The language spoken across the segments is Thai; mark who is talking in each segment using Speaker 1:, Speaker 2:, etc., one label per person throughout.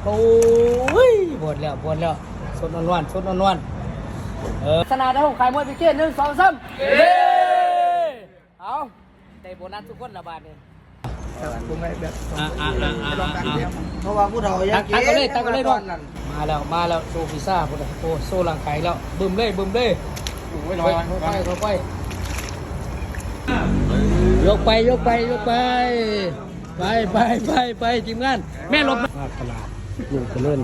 Speaker 1: อ้ยปวดแล้วสดนวลสนามได้ผมขายมวยพิเกต1 2 3เอาได้โบนัสทุกคนละบาทเลย
Speaker 2: ผมไม่แบบลองกัน
Speaker 3: เพราะว่าผู้เฒ่ายังกิน
Speaker 1: ตั้งกันเลยด้วยมาแล้วโซพิซซ่าพุ่นโอ้โซร่างกายแล้วบึมเลยค่อยยกไปทีมงานแม่ลบมาตลาดลุงจะเล่น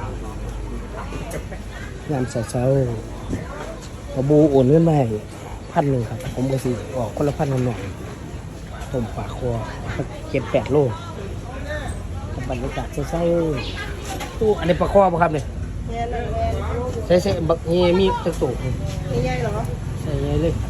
Speaker 1: งานเช้ากระบูโอนเงินมาให้1,000ครับผมก็สิออกคนละ1,000หน่อยผมฝากคอ7-8 โลบรรยากาศเช้าตู้อันนี้ปลาคอป่ะครับเนี่ยใช่บักนี่มีตะตุ่ม
Speaker 3: ใหญ่เหรอ
Speaker 1: ใช่ใหญ่เลย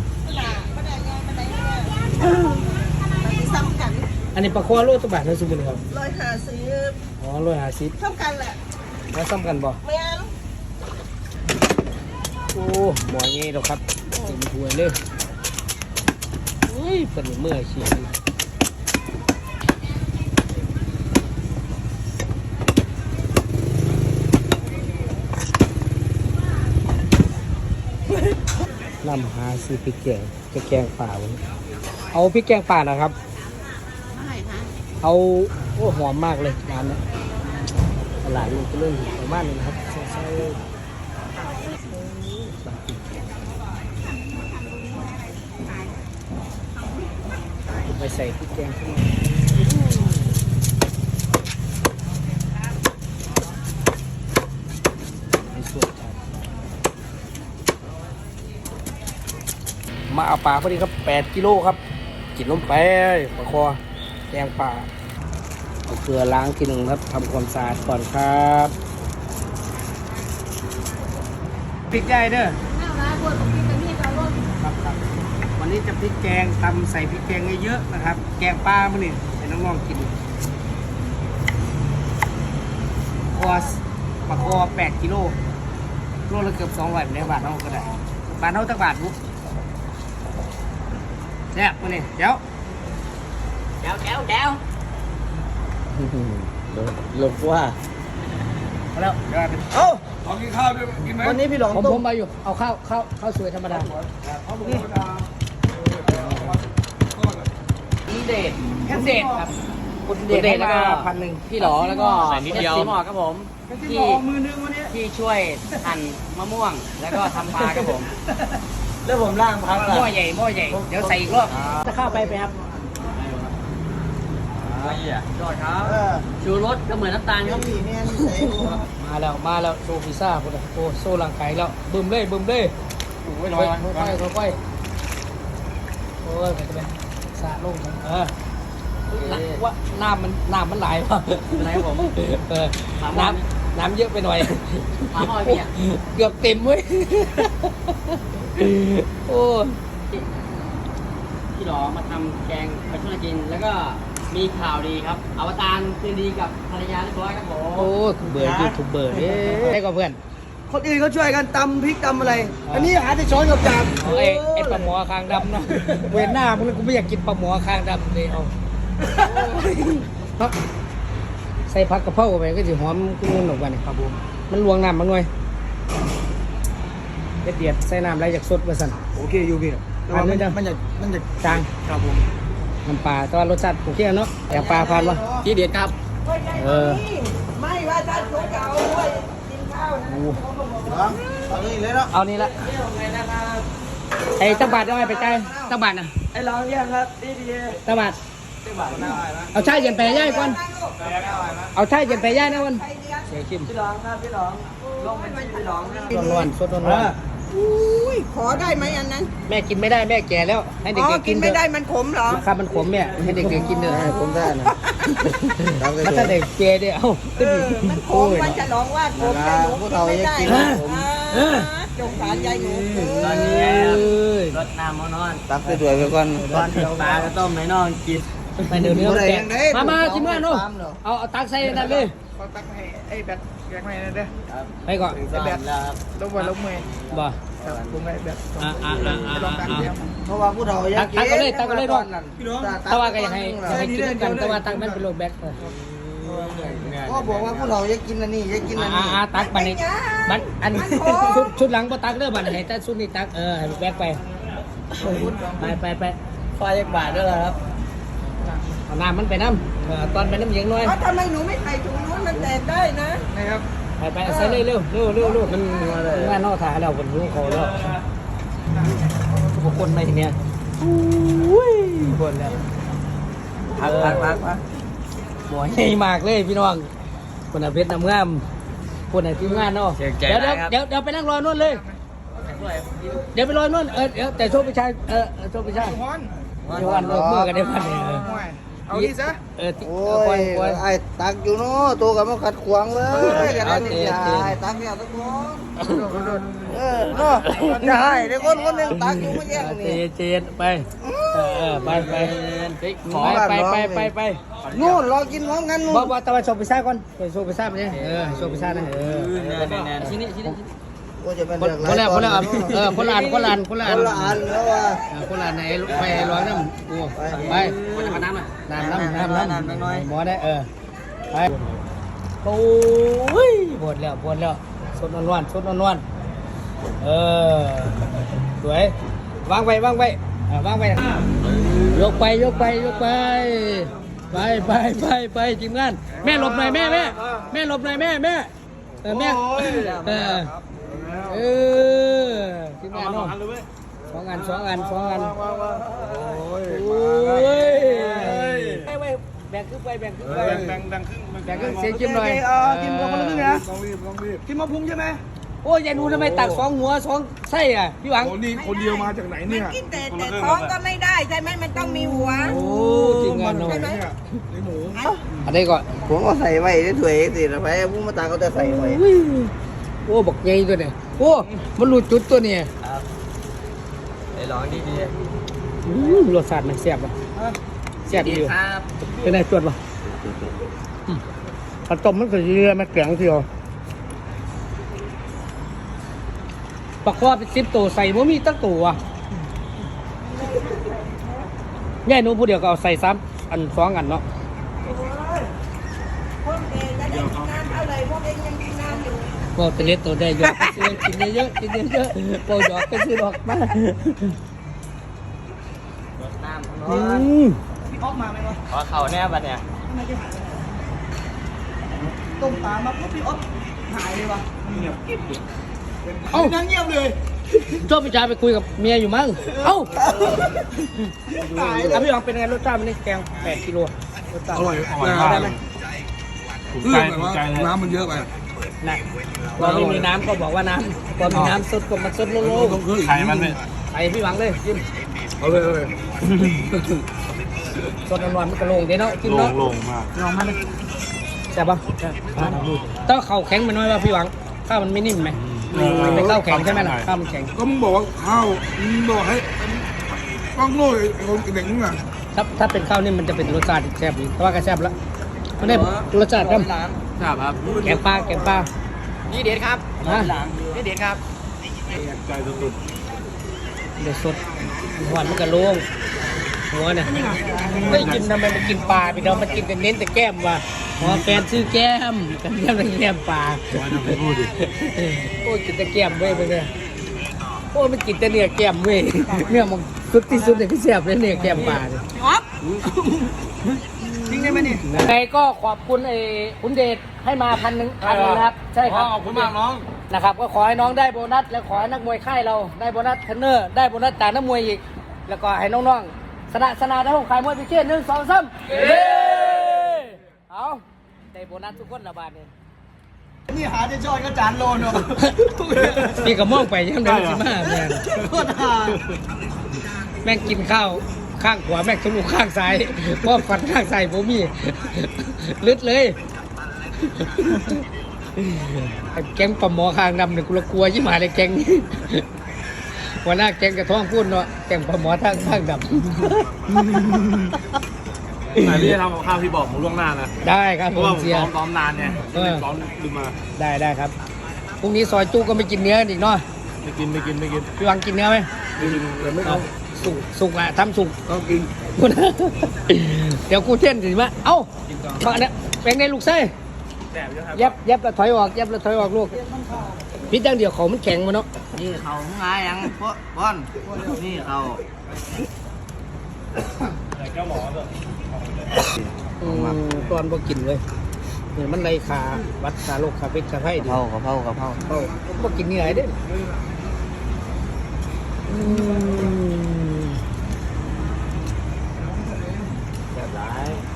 Speaker 3: ซ้ำกัน
Speaker 1: อันนี้ปลาคอโลตัวบาทนะสมมุติครับ
Speaker 3: 150
Speaker 1: อ๋อ150
Speaker 3: เท่ากันแหละ
Speaker 1: แล้วซ้ำกันบ่
Speaker 3: ไม่เอา
Speaker 1: โอ้หมองี้ดอกครับเต็มถ้วยเลยเฮ้ยเป็นเมื่อชีวิตนำหาซื้อพริกแกงจะแกงป่าวันเอาพริกแกงป่านะครับเอาโอ้หอมมากเลยร้านนี้ตลาดมันก็เริ่มประมาณนี้นะครับใช่ไปใส่พริกแกงขึ้นมาในส่วนมาเอาปลาพอดีครับ8 กิโลครับกินลงไปปลาคอแกงป่าเอาเกลือล้างทีหนึ่งครับทำความสะอาดก่อนครับพริกได้เด้อครับวันนี้จะพริกแกงตำใส่พริกแกงเยอะๆนะครับแกงปลามื้อนี้ให้น้องๆกินคอปลาคอ8 กิโลโลละเกือบ200ในบาทเท่าก็ได้บาทเท่าตักบาทบุ๊กแซ่บมื้อนี้เดี๋ยวลงว่าแล้ว
Speaker 2: เอ้าขอกินข้าวด้วยกินไหมวันนี้พี่หลอง
Speaker 1: ผมมาอยู่เอาข้าวสวยธรรมดานี่เดทแค่เดทครับคุณเดทแล้วก็1,000พี่หลอแล้วก็สีหมอกครับผมที่ช่วยหั่นมะม่วงแล้วก็ทำปลาครับผม
Speaker 3: แล้วผมล่างพัก
Speaker 1: หม้อใหญ่เดี๋ยวใส่อีกรอบจะเข้าไปครับยอดครับชูรสก็เหมือนน้ำตาลครับมาแล้วโซพิซซ่าพุ่นโอ้โซร่างกายแล้วบึมเลยค่อยโอ้ยไปสะลงว่าน้ำมันไหลป่ะไหลผมน้ำเยอะไปหน่อยเกือบเต็มเว้ยโอ้พี่หลอมาทำแกงไปช่วยกินแล้วก็มีข่าวดีครับอวตารคืนดีกับภรรยาเรียบร้อยครับผมโอ้เบื่อยูทูบเบอร์ได้กับเพื่อน
Speaker 3: คนอื่นเขาช่วยกันตำพริกตำอะไรอันนี้หาแต่ช้อนกับจาน
Speaker 1: ไอ้ปลาหมอคางดำเนาะเว้นหน้ามึงกูไม่อยากกินปลาหมอคางดำเลยเอาใส่ผักกระเพราไปก็จะหอมกุ้งหนุกกันครับผมมันลวงน้ำมันหน่อยเดือดใส่น้ำไหลจากสดมาสั่น
Speaker 3: โอเคอยู่พี่มันจะ
Speaker 1: จาง
Speaker 3: ครับผม
Speaker 1: น้ำปลาแต่ว่ารสชาติโอเคเนาะแกงปลาพันวะที่เด็ดครับ
Speaker 3: ไม่ว่าจะชกเอาด้วยกินข้าวนะเอานี่เลยเนาะ
Speaker 1: เอานี่ละไอ้ตั้งบาทได้ไหมไปใจตั้งบาทนะ
Speaker 3: ไอ้ร้องยังครับดี
Speaker 1: ตั้งบาทเอาชายเย็นไปย่ายก่อนเอาชายเย็นไปย่ายนะวันเสียชิม
Speaker 3: พี่ร้องครับพี่ร้องลงเป็นพี่ร้อง
Speaker 1: ร้อนสดร้อน
Speaker 3: อุ้ยขอได้ไหมอันนั้น
Speaker 1: แม่กินไม่ได้แม่แก่แล้วให้เด็กๆกิน
Speaker 3: ไม่ได้มันขมเหรอ
Speaker 1: ครับมันขมเนี่ยให้เด็กๆกินเถอะ
Speaker 3: ขมได้นะ
Speaker 1: ถ้าเด็กแก่เนี่ยเอ้า
Speaker 3: มันขมมันจะร้องว่าขมใจหนูกินไม่ได้จงสารใจหนู
Speaker 1: ตอนนี้รดน้ำมานอน
Speaker 3: ตักด้วยไปก่อน
Speaker 1: ตอนเดียวปลาก็ต้มให้น้องกินไปเดี๋ยวนี้มาจิ้มกันนู่นเอาตักใส่นั่นเลย
Speaker 2: ตักให้ไอ้แบตแบตให้นั่นเด้อ
Speaker 1: ไปก่อน
Speaker 2: แบตลงมือ
Speaker 1: บ่
Speaker 2: ผมให้แบบ
Speaker 3: ลองกันเพราะว่าผู้เฒ่ายัง
Speaker 1: ตักก็เลยด้วยตะว่าก็ยังให้กินกันตะว่าตักมันเป็นโลแบก
Speaker 3: ก็บอกว่าผู้เราจะกินอันนี้จะกินอันนี้
Speaker 1: ตักบันนี้บันอันชุดหลังบ่ตักเด้อบันไหนแต่ชุดนี้ตักแบกไปไป
Speaker 3: ไฟยักบาทด้วยครับ
Speaker 1: เอาน้ำมันไปน้ำตอนไปน้ำเย็นหน่อย
Speaker 3: ทำไมหนูไม่ใส่ถุงนู้นมันแตกได้นะ
Speaker 2: นะครับ
Speaker 1: ไปใส่เร็วมันงานนอกถ่ายแล้วคนรู้เขาแล้วทุกคนไม่ทีเนี้ยคนแล้วพักหมวยใหญ่มากเลยพี่น้องคนเพชรน้ำงามคนไหนทีมงานเนาะเดี๋ยวไปนั่งรอนู่นเลยเดี๋ยวไปรอนู่นเดี๋ยวแต่โชคพิชัยโชคพิชัย
Speaker 2: ฮอน
Speaker 1: เดี๋ยววันเมื่อกันเดี๋ยววัน
Speaker 2: เอาดีซะ
Speaker 3: โอ้ยไอ้ตักอยู่เนาะตัวกับมันขัดขวางเลยกันนั่นนี่ไอ้ตักเนี่ยตะโกนเนาะได้เดี๋ยวคนหนึ่งตักอยู่ไม่แย่งนี่
Speaker 1: เจนไปไป
Speaker 3: นู่นรอกินพร้อมกันนู่น
Speaker 1: บอกตะวันโชคพิชัยก่อนโชคพิชัยไปเนี่ยโชคพิชัยนะชิ้นนี้
Speaker 3: ก็จะเป็น
Speaker 1: คนละคนละอันแล้วว่า
Speaker 3: คนละอัน
Speaker 1: คนละอันไหนไปร้อยน้ำกูไปน้ำน้อยหมอได้ไปโอ้ยปวดแล้วสดนวลสวยวางไว้ยกไปทีมงานแม่หลบหน่อยแม่หลบหน่อยแม่แม่ทีมงานเนาะสองอันโอ้ยไปแบ่งครึ่งไปแบ่งครึ่งเสียงจิ้มหน่อย
Speaker 3: กินคนละครึ่งนะ
Speaker 2: ลองรีบ
Speaker 3: กินมะพุงใช่ไหม
Speaker 1: โอ้ยยายนูทำไมตัก2 หัว 2 ไส้อ่ะพี่หวัง
Speaker 2: โอ้นี่คนเดียวมาจากไหนเนี่ย
Speaker 3: กินแต่ท้องก็ไม่ได้ใช่ไหมมันต้องมีหัว
Speaker 1: โอ้ทีมงานเนาะ
Speaker 2: เนี่ยในหมู
Speaker 1: อันนี้ก่อน
Speaker 3: ผมก็ใส่ไว้ได้ถวยสินะไปผู้มาตาเขาจะใส่ไว้
Speaker 1: โอ้บอกใหญ่ตัวเนี่ยโอ้มันหลุดจุดตัวเนี่ย
Speaker 3: ไอ้ร้องดี
Speaker 1: รสชาติมันแซ่บอ่ะแซ่บอยู่
Speaker 3: ครับ
Speaker 1: เป็นไงจวดป่ะผัดต้มมันก็เยอะมันแข็งเทียวปลาคอเป็น10 ตัวใส่บ่มีตั้งตัวแย่หนูผู้เดียวก็เอาใส่3 อัน 2 อันเนาะ
Speaker 3: คนเองจะได้กินน้ำเท่าไหร่พวกเองยังกินน้ำอยู่
Speaker 1: ก็ตัวเล็กตัวได้ยกกินเยอะโปรยอกก็ซื้อดอกมา
Speaker 3: น้ำ
Speaker 1: อืม
Speaker 3: ออกมาไหมวะ
Speaker 4: ขอเข่าแน่บัดเนี่ย
Speaker 3: ต้มปลามาปุ๊บพี่อ๊อฟหายเลยวะ
Speaker 1: เอ้า
Speaker 3: นั่งเงียบเลย
Speaker 1: ชอบพี่ชายไปคุยกับเมียอยู่มั้งเอ้า
Speaker 3: ตายเล
Speaker 1: อ่ะ
Speaker 3: ย
Speaker 1: พี่หวังเป็นไงรสชาติมันนี่แกง8 กิโลรสชาติ
Speaker 2: อร่อย
Speaker 1: ได้ไหม
Speaker 2: ถูกใจเลยน้ำมันเยอะไป
Speaker 1: นะพอไม่มีน้ำก็บอกว่าน้ำพอมีน้ำสดก็มันสดโล่ง
Speaker 2: ต้องขึ้น
Speaker 4: ไข่มันไม่
Speaker 1: ๆไปพี่หวังเลยจิ้ม
Speaker 2: เอาเลย
Speaker 1: สดนวลๆมันก็โล่งเดี๋ยวเนาะจิ้มเนาะ
Speaker 4: โล่งมาก
Speaker 1: ลองมาเลยแซ่บปะต้องข้าวแข็งไปหน่อยว่าพี่หวังข้าวมันไม่นิ่มไหมมันเป็นข้าวแข็งใช่ไหมล่ะข้าวมันแข็ง
Speaker 2: ก็มึงบอกว่าข้าวมึงบอกให้ต้องโง่ไอ้คนเด็กมึงอ่ะ
Speaker 1: ถ้าเป็นข้าวนิ่มมันจะเป็นรสชาติแซ่บดีแต่ว่าก็แซ่บแล้วมันได้รสชาติครับ
Speaker 4: ครับ
Speaker 1: แกงปลา
Speaker 4: นี่เด็ดครับ
Speaker 1: ฮะ
Speaker 4: นี่เด็ดครับ
Speaker 2: ใจสุด
Speaker 1: เดี๋ยวสดหวานมันก็โล่งหัวเนี่ยไม่กินทำไมมันกินปลาพี่น้องมันกินแต่เน้นแต่แก้มว่ะอ๋อแฟนซื้อแก้มกันแก้มเป็นแก้มปลา
Speaker 4: ว่าจะไปพูดดิ
Speaker 1: โอ้ยกินแต่แก้มเว้ยไปเนี่ยโอ้ยมันกินแต่เนื้อแก้มเว้ยเนื้อมันสุดที่สุดเลยที่แซ่บเลยเนื้อแก้มปลาเนี่ย
Speaker 3: อ๊อฟจริงได้ไหมนี่
Speaker 1: ไงก็ขอบคุณคุณเดชให้มา1,000ครับใช่ครับ
Speaker 4: ขอบคุณมากน้อง
Speaker 1: นะครับก็ขอให้น้องได้โบนัสและขอให้นักมวยค่ายเราได้โบนัสเทรนเนอร์ได้โบนัสจากนักมวยอีกแล้วก็ให้น้องๆสนาได้ของขายมวยพิเศษ1 2 3เย้เอาได้โบนัสทุกคนละบาทเนี่ย
Speaker 3: นี่หาจะจอยก็จานโลนเนาะ
Speaker 1: พี่ก็มองไปยังเดินสิมาแม่ง
Speaker 3: โคตรหา
Speaker 1: แม่งกินข้าวข้างขวาแม่งทะลุข้างซ้ายเพราะฟันข้างซ้ายผมมีลึดเลยไอ้แก๊งปลาหมอข้างดำเนี่ยกูละกลัวยิ่งมาเลยแก๊งนี้หัวหน้าแก๊งกระท้องพูดเนาะแก๊งปลาหมอข้างดำ
Speaker 4: อันนี้ทำกับข้าวที่บอกผมล่วงหน้านะ
Speaker 1: ได้ครับ
Speaker 4: เพ
Speaker 1: ผ
Speaker 4: ราะว่าม ผม
Speaker 1: เสีย
Speaker 4: ซ้อมนานไงซ้อมลืมมา
Speaker 1: ได้ครับพรุ่งนี้ซอยจุก็ไม่กินเนื้ออีกเนาะ
Speaker 4: ไม่กิน
Speaker 1: พี่วังกินเนื้อไหม
Speaker 2: แต่ไม่เอา
Speaker 1: สุกอะทำสุก
Speaker 2: ต้องกิน
Speaker 1: เดี๋ยวกูเท่นสิมาเอ้ามาเนี่ยเป็นไงลูกไส้
Speaker 4: แสบอยู่ครับ
Speaker 1: ยับแล้วถอยออกยับแล้วถอยออกลูกพิษอย่างเดียวเขามันแข็งมาเนาะ
Speaker 3: นี่เขาง่ายยังพวกบอลนี่เขา
Speaker 4: เจ้าหมอแบบ
Speaker 1: ตอนบ่กินเลยนี่มันไรขาวัดขาโรคขาพิษขาไข้ดิ
Speaker 3: กะเพรากะเพรา
Speaker 1: เขาบ่กินนี่ไงเด้แบบไร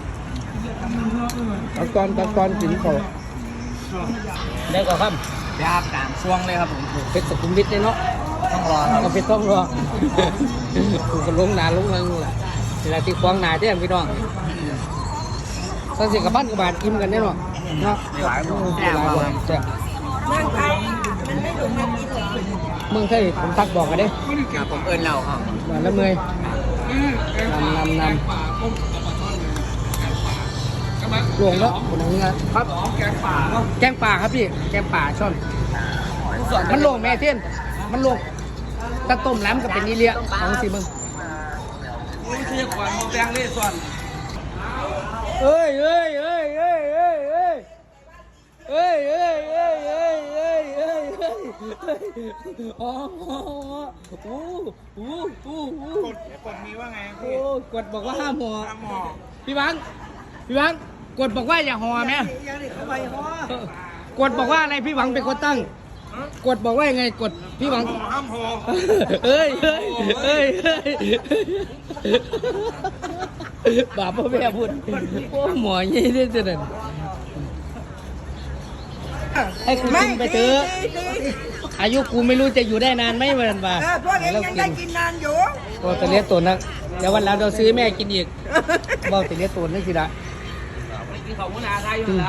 Speaker 1: ตอนกินเขาได้กว่าครับ
Speaker 3: ยาบกลางช่วงเลยครับผม
Speaker 1: เพชรสุขุมวิทเลยเนาะ
Speaker 3: ต้องรอครับ
Speaker 1: เอาเพชรต้องรอกูก็ลงหนาลงเงินแหละเวลาที่ควางหนาเด้พี่น้องสังสิกับบ้านกับบาทอิ่มกันแน่นอนเนาะ
Speaker 3: หลายคน
Speaker 1: แซ่บแซ่บเมืองไทยผมทักบอกกันเด้
Speaker 3: ครับผมเอิญเราครับ
Speaker 1: มาแล้วเมยนำหลวงแล้วคนนึงครับแกงป่าครับพี่แกงป่าช่อนมันหลวงแม่เทียนมันหลวงตะต้มล้ำกับเป็นนี่เลี้ยของสิมึง
Speaker 3: นี่คือขวัญโมแบงเล่ส่วน
Speaker 1: เอ้ยอ๋อกดมีว่าไงพี่กดบอกว่าห้ามห่อพี่บังกดบอกว่าอย่าห่อไหมกดบอกว่าอะไรพี่หวังเป็นคนตั้งกดบอกว่ายังไงกดพี่หวังห้ามห่อเอ้ยบาปพ่อแม่พูดโอ้หมอยี่ได้จังนั้นให้กูกินไปเถอะอายุกูไม่รู้จะอยู่ได้นานไหมวันบ่าพวกเองยังได้กินนานอยู่ก็จะเลี้ยงตัวนักเดี๋ยววันหลังเราซื้อแม่กินอีกบอกจะเลี้ยงตัวนั่นสิละ
Speaker 3: กินของมุนาไทยอยู่แล้ว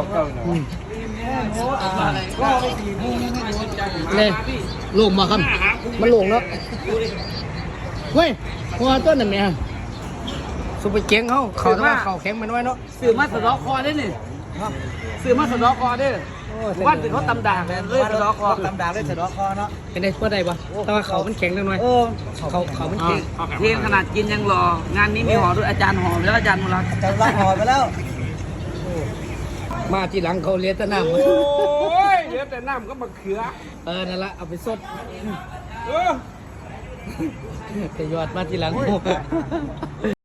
Speaker 1: เลยลงมาครับมันลงแล้วเฮ้ยหัวต้นนั่นเนี่ยสุปเปอร์เก่งเขาต้องเขาแข็งมันไว้เนาะ
Speaker 3: สื่อมาสะดอกคอได้นี่สื่อมาสะดอกคอได้ว่าถึงเขาตำด่างเลยสะดอกคอตำด่างเลยสะดอกคอเนาะ
Speaker 1: เป็นได้เพื่อใดปะแต่ว่าเขามันแข็งจังหน่อยเขามันแข็ง
Speaker 3: เทียนขนาดกินยังรองานนี้มีห่อด้วยอาจารย์ห่อไปแล้วอาจารย์มุรักอาจารย์มุรักห่อไปแล้ว
Speaker 1: มาทีหลังเขาเลี้ยงแต่น้ำ
Speaker 3: โอ้ยเลี้ยงแต่น้ำก็มะเขือ
Speaker 1: นั่นละเอาไปสดแต่ยอดมาทีหลัง